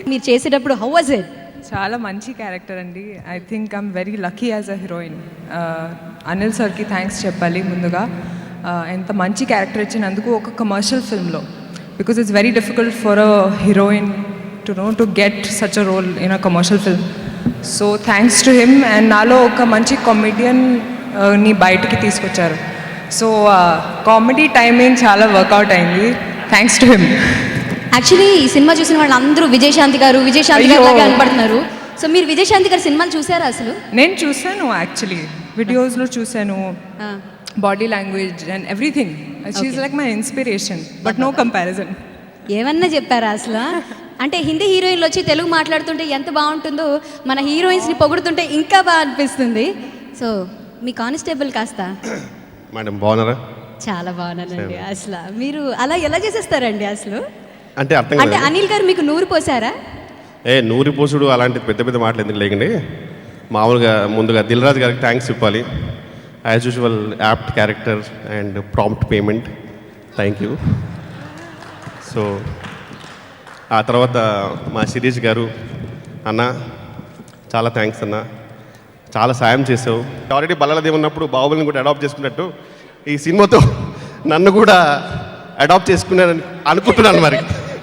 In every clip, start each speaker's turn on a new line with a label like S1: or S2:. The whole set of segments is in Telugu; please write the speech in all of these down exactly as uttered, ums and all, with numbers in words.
S1: మీరు చేసేటప్పుడు హౌ వాజ్ ఇట్?
S2: చాలా మంచి క్యారెక్టర్ అండి. I think I'm very lucky as a heroine. Anil సార్కి థ్యాంక్స్ చెప్పాలి ముందుగా. Uh, ఎంత మంచి క్యారెక్టర్ ఇచ్చినందుకు ఒక కమర్షియల్ ఫిల్మ్లో, because it's very difficult for a heroine to know to get such a role in a commercial film. So thanks to him. And నాలో ఒక మంచి కామెడియన్ ని బయటికి తీసుకొచ్చారు. సో కామెడీ టైమింగ్ చాలా వర్కౌట్ అయింది. Thanks to him.
S1: యాక్చువల్లీ ఈ సినిమా చూసిన వాళ్ళు అందరూ విజయశాంతి గారు విజయశాంతి గారు లాగా కనపడుతున్నారు. సో మీరు విజయశాంతి గారు సినిమాలు చూసారా అసలు?
S2: నేను చూశాను, యాక్చువల్లీ వీడియోస్లో చూశాను. Body language and everything. She is like my inspiration, but no comparison.
S1: ఏమన్నా చెప్పారా అసలు? అంటే హిందీ హీరోయిన్లు వచ్చి తెలుగు మాట్లాడుతుంటే ఎంత బాగుంటుందో, మన హీరోయిన్స్ని పొగుడుతుంటే ఇంకా బాగా అనిపిస్తుంది. సో మీ కానిస్టేబుల్ కాస్త
S3: మేడం బాగున్నారా?
S1: చాలా బాగున్నానండి. అసలు మీరు అలా ఎలా చేసేస్తారండి అసలు?
S3: అంటే అర్థం
S1: అంటే అనిల్ గారు మీకు నూరు పోసారా?
S3: ఏ నూరి పోసుడు అలాంటి పెద్ద పెద్ద మాటలు ఎందుకు లేకండి. మామూలుగా ముందుగా దిల్ రాజు గారికి థ్యాంక్స్ చెప్పాలి. As usual apt character and prompt payment, thank you. So ఆ తర్వాత మా శిరీష్ గారు, అన్న చాలా థ్యాంక్స్ అన్న, చాలా సాయం చేసావు. ఆల్రెడీ బల్లలదేవి ఉన్నప్పుడు బాహుబలిని కూడా అడాప్ట్ చేసుకున్నట్టు ఈ సినిమాతో నన్ను కూడా అడాప్ట్ చేసుకున్నానని అనుకుంటున్నాను. మరి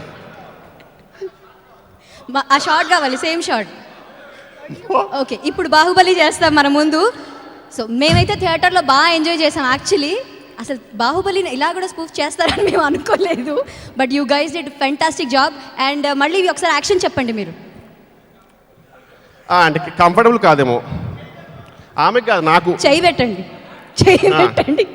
S1: ఆ షార్ట్ కావాలి, సేమ్ షార్ట్. ఓకే, ఇప్పుడు బాహుబలి చేస్తాం మన ముందు. సో మేమైతే థియేటర్లో బాగా ఎంజాయ్ చేసాం. యాక్చువల్లీ అసలు బాహుబలిని ఇలా కూడా స్పూఫ్ చేస్తారని మేము అనుకోలేదు. But you guys did fantastic job. And మళ్ళీ ఒకసారి యాక్షన్ చెప్పండి మీరు.
S3: అంటే కంఫర్టబుల్ కాదేమో ఆమెకు, కాదు నాకు.
S1: చెయ్యి పెట్టండి, చెయ్యి పెట్టండి.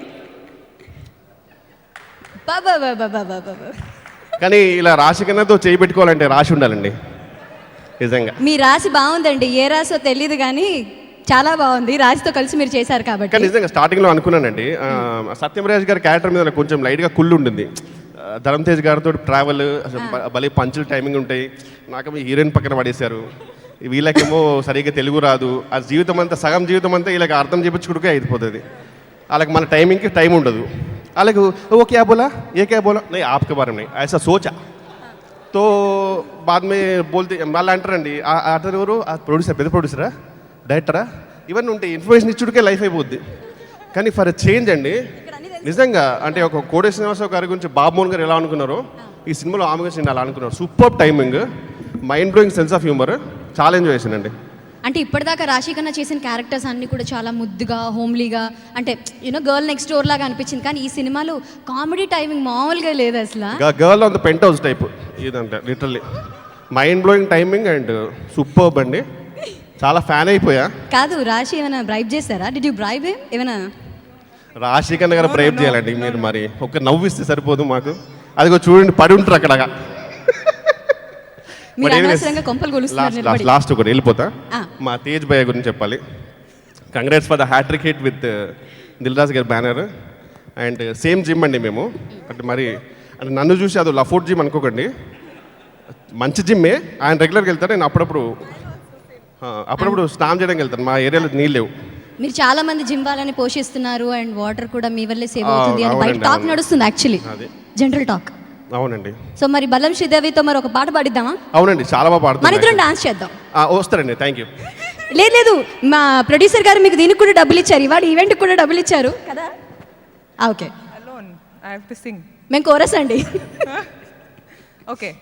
S1: బాబా బాబా బాబా బాబా.
S3: కానీ ఇలా రాశి కన్నాతో చేయి పెట్టుకోవాలంటే రాశి ఉండాలండి నిజంగా.
S1: మీ రాశి బాగుందండి, ఏ రాశో తెలియదు కానీ చాలా బాగుంది. రాశితో కలిసి మీరు చేశారు కాబట్టి.
S3: కానీ నిజంగా స్టార్టింగ్లో అనుకున్నానండి, సత్యమరాజ్ గారి క్యారెక్టర్ మీద నాకు కొంచెం లైట్గా కుళ్ళు ఉంటుంది. ధరమ్ తేజ్ గారితో ట్రావెల్ భలే పంచులు టైమింగ్ ఉంటాయి. నాకు మీ హీరోయిన్ పక్కన పడేశారు. వీళ్ళకేమో సరిగ్గా తెలుగు రాదు. ఆ జీవితం అంతా, సగం జీవితం అంతా వీళ్ళకి అర్థం చేయించుకుంటే అయిపోతుంది. వాళ్ళకి మన టైమింగ్కి టైం ఉండదు. వాళ్ళకు ఓ క్యా బోలా ఏ క్యా బోలా नहीं आपके बारे में ऐसा सोचा तो बाद में बोलते వాళ్ళు అంటారండి, అతను ఎవరు ప్రొడ్యూసర్, పెద్ద ప్రొడ్యూసరా డైరెక్టరా, ఇవన్నీ ఉంటాయి. ఇన్ఫర్మేషన్ ఇచ్చుడికే లైఫ్ అయిపోద్ది. కానీ ఫర్ చేంజ్ అండి నిజంగా, అంటే ఒక కోడే శ్రీనివాసరావు గారి గురించి బాబు మోహన్ గారు ఎలా అనుకున్నారో ఈ సినిమాలో ఆమె గురించి నేను అలా అనుకున్నారు. Super timing, mind blowing sense of humour, చాలా ఎంజాయ్ చేశానండి.
S1: అంటే ఇప్పటిదాకా రాశి కన్నా చేసిన క్యారెక్టర్స్ అన్నీ కూడా చాలా ముద్దుగా, హోమ్లీగా, అంటే యూనో గర్ల్ నెక్స్ట్ డోర్ లాగా అనిపించింది. కానీ ఈ సినిమాలో కామెడీ టైమింగ్ మామూలుగా లేదు అసలు.
S3: Girl on the penthouse type ఇదంటే literally mind blowing timing and superb అండి. చాలా ఫ్యాన్ అయిపోయా.
S1: కాదు, రాశి ఏమైనా బ్రైబ్ చేశారా? డిడ్ యూ బ్రైబ్ హిమ్ ఏమైనా?
S3: రాశి కన్నా గారు బ్రైబ్ చేయాలండి మీరు. మరి ఒక నవ్విస్తే సరిపోదు మాకు. అదిగో చూడండి పడి ఉంటారు అక్కడ. లాస్ట్ ఒకటి వెళ్ళిపోతా. మా తేజ్ భయ్య గురించి చెప్పాలి. Congrats for the hat-trick hit with Dil Raju గారి బ్యానర్. అండ్ సేమ్ జిమ్ అండి మేము. అంటే మరి అంటే నన్ను చూసి అది లఫోర్ట్ జిమ్ అనుకోకండి, మంచి జిమ్మే. ఆయన రెగ్యులర్గా వెళ్తారు, నేను అప్పుడప్పుడు అప్పుడప్పుడు స్నానం చేయడానికి వెళ్తాను. మా ఏరియాలో నీళ్ళు లేవు.
S1: మీరు చాలా మంది జిమ్ వాళ్ళని పోషిస్తున్నారు అండ్ వాటర్ కూడా మీ వల్లే సేవ్ అవుతుంది అని బయట టాక్ నడుస్తుంది. Actually general talk.
S3: అవునండి.
S1: సో మరి బల్లం శ్రీదేవితో మరి ఒక పాట పాడిద్దామా?
S3: అవునండి, చాలా బాగా పాడుతుంది.
S1: మన ఇద్దరం డాన్స్ చేద్దాం.
S3: వస్తారండి, థ్యాంక్ యూ.
S1: లేదు లేదు, మా ప్రొడ్యూసర్ గారు మీకు దీనికి కూడా డబ్బులు ఇచ్చారు, ఇవాళ ఈవెంట్కి కూడా డబ్బులు ఇచ్చారు కదా. Okay,
S2: Alone, I have to sing.
S1: మేము కోరస్ అండి.
S2: Okay.